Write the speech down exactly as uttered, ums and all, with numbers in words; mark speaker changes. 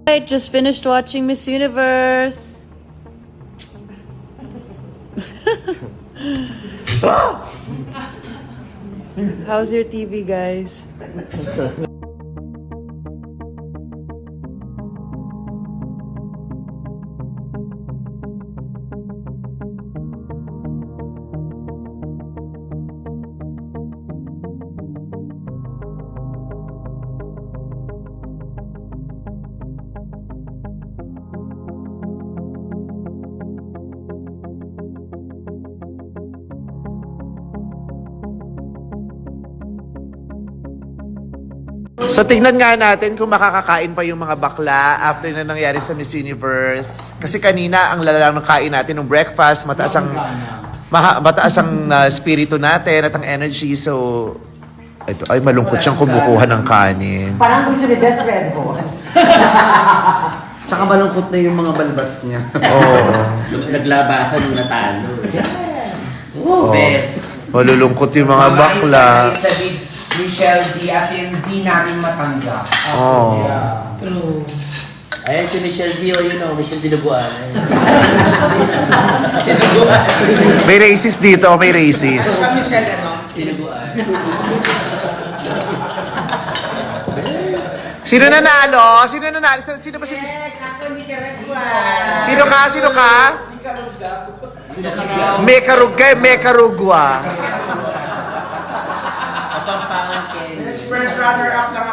Speaker 1: I just finished watching Miss Universe. How's your T V, guys?
Speaker 2: So tingnan nga natin kung makakakain pa yung mga bakla after na nangyari sa Miss Universe. Kasi kanina ang lala ng kain natin ng breakfast, mataas ang maha, mataas ang uh, spirito natin at ang energy. So ito ay malungkot siyang kumukuha ng kanin.
Speaker 3: Parang gusto ni Best Red Horse.
Speaker 4: Tsaka malungkot na yung mga balbas niya.
Speaker 2: Oo.
Speaker 5: Naglabasan nung natalo.
Speaker 4: Oh.
Speaker 5: Best.
Speaker 2: Malulungkot yung mga bakla.
Speaker 3: Sa Michelle D, as in, di namin matanggap.
Speaker 2: Oo.
Speaker 5: True. Ayan si Michelle D, o yun o, Michelle Dinuguan. Dinuguan.
Speaker 2: May racist dito, may racist.
Speaker 3: Ano ka, Michelle, ano?
Speaker 5: Dinuguan.
Speaker 2: Sino nanalo? Sino nanalo? Sino ba si Miss? Sino ka? Sino ka? Mekarugay, Mekarugwa.
Speaker 5: Kapampangan Ken.
Speaker 3: First runner-up lang